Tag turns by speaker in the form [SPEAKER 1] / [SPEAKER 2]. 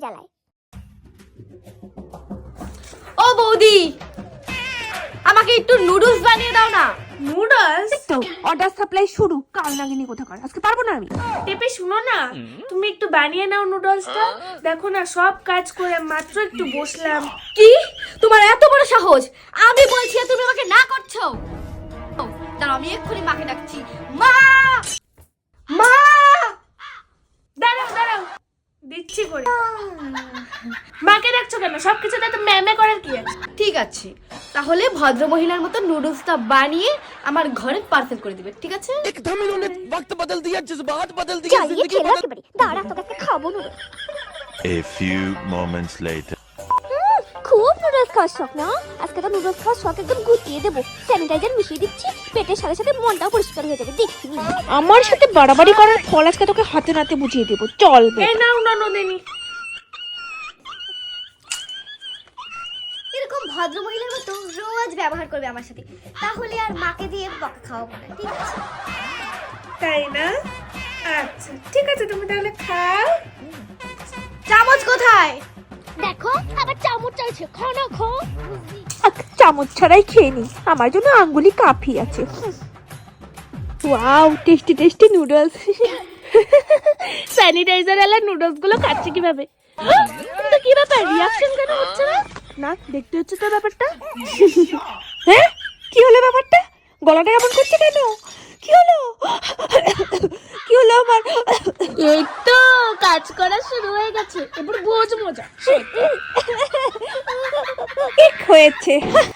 [SPEAKER 1] জ্বালায়।
[SPEAKER 2] ও বৌদি, আমাকে একটু নুডলস বানিয়ে দাও না।
[SPEAKER 3] নুডলস?
[SPEAKER 4] তো অর্ডার সাপ্লাই শুরু, কাল নাগিনি কোথাকার, আজকে পারবো না আমি।
[SPEAKER 3] টেপে শুনো না, তুমি একটু বানিয়ে নাও নুডলসটা। দেখো না, সব কাজ করে মাত্র একটু বসলাম।
[SPEAKER 2] কি, তোমার এত বড় সাহস? আমি বলছি আর তুমি আমাকে না করছো। দাঁড়াও, আমি এক্ষুনি মাকে ডাকছি। মা, মা!
[SPEAKER 3] দাঁড়াও দাঁড়াও, দিচ্ছি করে। মাকে ডাকছো কেন? সবকিছুতে তো ম্যামে করার কি আছে?
[SPEAKER 2] ঠিক আছে, তাহলে ভদ্র মহিলার মতো নুডলসটা বানিয়ে আমার ঘরে পার্সেল করে দিবে, ঠিক আছে?
[SPEAKER 5] एकदम इन्होंने वक्त बदल दिया, जज्बात बदल दिए,
[SPEAKER 1] জ্বালিয়ে
[SPEAKER 5] जिंदगी
[SPEAKER 1] খেলো
[SPEAKER 5] बदल।
[SPEAKER 1] একেবারে। দাঁড়া, তোকে একটা খাবো noodles.
[SPEAKER 6] A few moments later.
[SPEAKER 1] খুব নুডলস খাওয়ার শখ না? আজকে তো নুডলস খাওয়ার শখ একদম গুটিয়ে দেবো। স্যানিটাইজার মিশিয়ে দিচ্ছি, পেটের সাথে সাথে মনটাও পরিষ্কার হয়ে যাবে। দেখবি
[SPEAKER 4] আমার সাথে বাড়াবাড়ি করার ফল আজকে তোকে হাতে নাতে বুঝিয়ে দেবো, চল বে।
[SPEAKER 3] এই নাও না নদিনী।
[SPEAKER 1] এরকম ভদ্র মহিলার মতো রোজ ব্যবহার করবে আমার সাথে, তাহলে আর মাকে দিয়ে বকা খাওয়াবো না, ঠিক আছে?
[SPEAKER 3] তাই না? আচ্ছা ঠিক আছে, তুমি তাহলে খাও।
[SPEAKER 2] চামচ কোথায়?
[SPEAKER 1] দেখো, আবার চামচ চাইছে। খাও না, খাও।
[SPEAKER 4] চামচ ছাড়াই খেয়ে নি, আমার জন্য আঙ্গুলি কাফি আছে। Wow, tasty tasty noodles.
[SPEAKER 3] Sanitiser আলা নুডলস গুলো খাচ্ছি কিভাবে? কিন্তু কি ব্যাপার, রিঅ্যাকশন কেন হচ্ছে না?
[SPEAKER 4] না, দেখতে হচ্ছে তো ব্যাপারটা। হ্যাঁ, কি হলো ব্যাপারটা? গলাটা কেমন করছে কেন? কি হলো? কি হলো আমার?
[SPEAKER 3] এই তো কাজ করা শুরু হয়ে গেছে, এবার বোঝ মজা।
[SPEAKER 4] ঠিক হয়েছে।